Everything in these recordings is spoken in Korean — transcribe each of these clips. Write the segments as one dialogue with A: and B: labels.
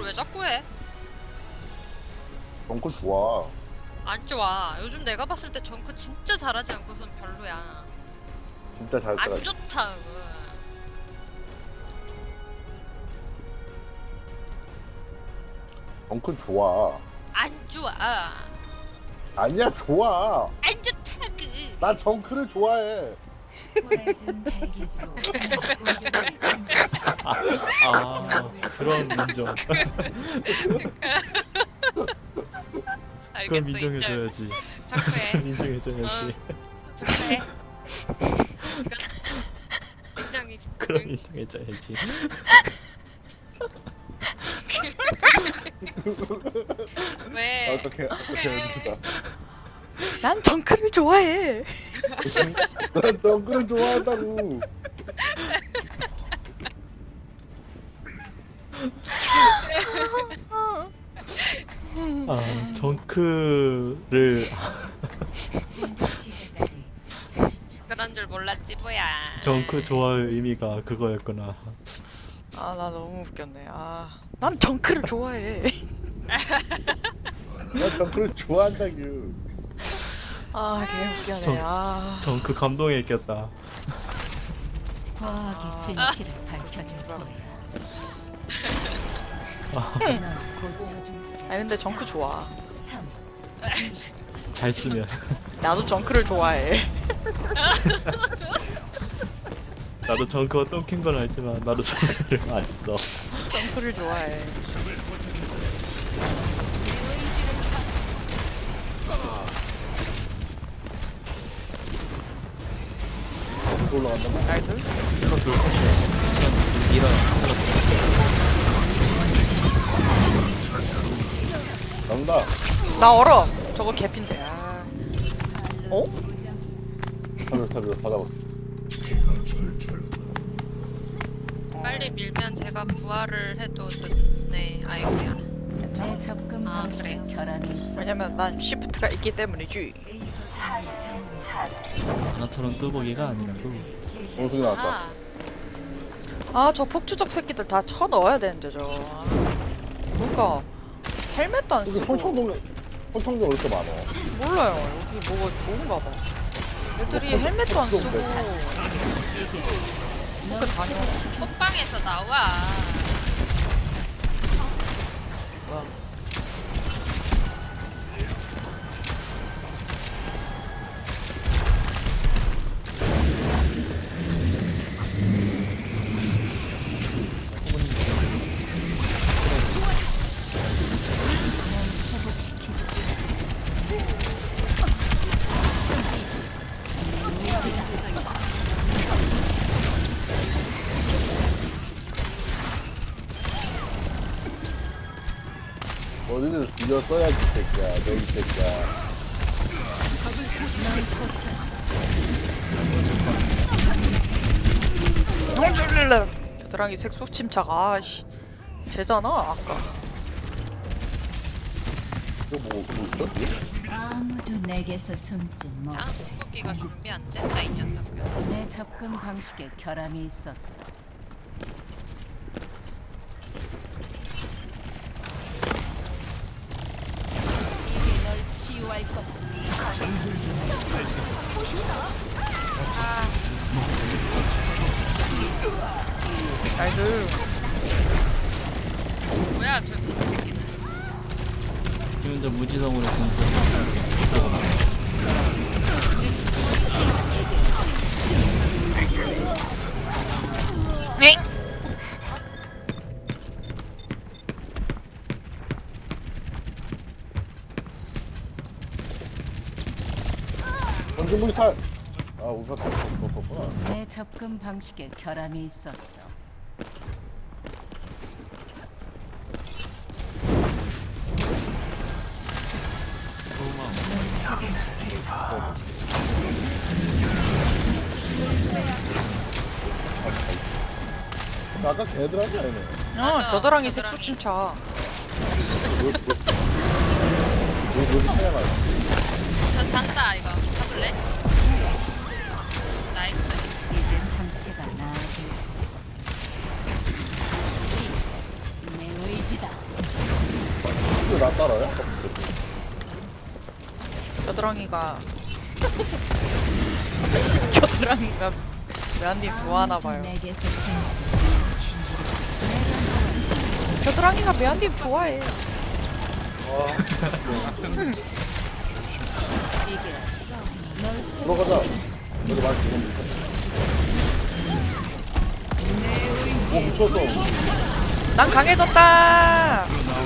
A: 왜 자꾸 해?
B: 정크 좋아.
A: 안 좋아. 요즘 내가 봤을 때 정크 진짜 잘하지 않고선 별로야.
B: 진짜 잘 따라.
A: 안 좋다 그거.
B: 정크 좋아.
A: 안 좋아.
B: 아니야 좋아.
A: 안 좋다 그.
B: 나 정크를 좋아해.
C: 그런 인정. 그럼
A: 알겠어,
C: 인정해줘야지.
A: 정크해.
C: 인정해줘야지.
A: 정크해. 인정이.
C: 그럼 인정해줘야지.
A: 왜?
B: 어떻게 해줍니다.
D: 난 정크를 좋아해.
B: 난 정크를 좋아한다고.
C: 정크를
A: 그런 줄 몰랐지 뭐야.
C: 정크 좋아할 의미가 그거였구나.
D: 아, 나 너무 웃겼네. 난 정크를 좋아해.
B: 난 정크를 좋아한다고.
D: 개 웃겨네.
C: 정크 감동했겠다.
E: 과학이 진실을 밝혀줄 거야. 넌 고쳐줄게.
D: 근데 정크 좋아.
E: 3,
C: 잘 쓰면.
D: 나도 정크를 좋아해.
C: 나도 정크가 똥킨 건 알지만 나도 정크를 안 써.
D: 정크를 좋아해.
B: 올라간다.
D: 나이스.
B: 나온다.
D: 나 얼어. 저거 개핀데. 어?
B: 타비로 다 잡았어.
A: 빨리 밀면 제가 부활을 해도 늦네. 아이고야.
E: 내 접근
A: 아,
E: 방식에
A: 그래?
E: 결함이 있었어.
D: 왜냐면 난 쉬프트가 있기 때문이지.
C: 나처럼 뚜벅이가 아니라고.
B: 원숭이 나왔다.
A: 아,
D: 저 폭주적 새끼들 다 쳐 넣어야 되는데 그러니까 헬멧도 안
B: 여기
D: 쓰고.
B: 평창동네 왜 이렇게 많아?
D: 몰라요. 여기 뭐가 좋은가 봐. 애들이 헬멧도 안 쓰고
E: 이게
D: 이렇게 다녀.
A: 호빵에서 나와.
D: 뭐야?
B: 어디를 죽여 써야지 이 새끼야. 너 이 새끼야.
D: 겨드랑이 색소 침착. 아씨. 쟤잖아 아까.
B: 이거 뭐 있어?
E: 아무도 내게서 숨지
A: 아,
E: 못해.
A: 궁극기가 준비 안 된다 이 녀석은.
E: 내 접근 방식에 결함이 있었어. 이게 널 치유할 거다.
D: 나이스.
A: 뭐야 저 빈 새끼는.
C: 혼자 무지성으로 공수.
D: 엥?
B: 원중무기 탈. 아 우리가 탈 수 없었구나.
E: 내 접근 방식에 결함이 있었어.
B: 아까 걔들한테 아니네.
A: 맞아,
D: 겨드랑이
A: 겨드랑이.
D: 색소 침착.
B: 여기 차야가.
A: 저 잔다 이거. 잡을래? 나이스.
E: 이제 상태가 나아질. 내 의지다.
B: 안 따라요?
D: 겨드랑이가 겨드랑이가 메안님 좋아하나봐요.
E: 내게서 생지.
D: 겨드랑이가 메안님 좋아해.
E: 이게
B: 들어가자. 여기 많이 들어온다. 오, 미쳤어.
D: 난 강해졌다.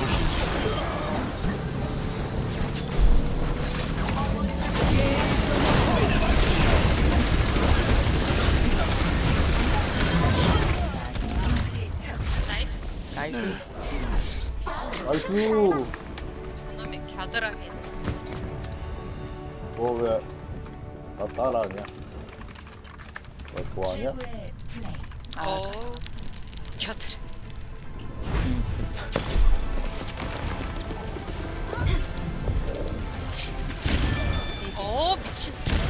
A: 나이스.
D: 나이스.
B: 나이스.
A: 저놈의 갸드랑이.
B: 왜, 나 따라하냐? 너 좋아하냐?
A: 갸드랑. 미친.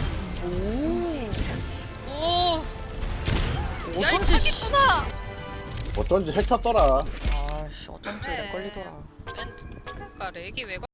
A: 오. 야, 이
D: 어쩐지
A: 사기꾼아.
B: 어쩐지 핵 켰더라.
D: 아씨 어쩐지 렉 걸리더라.
A: 그러니까 렉이 왜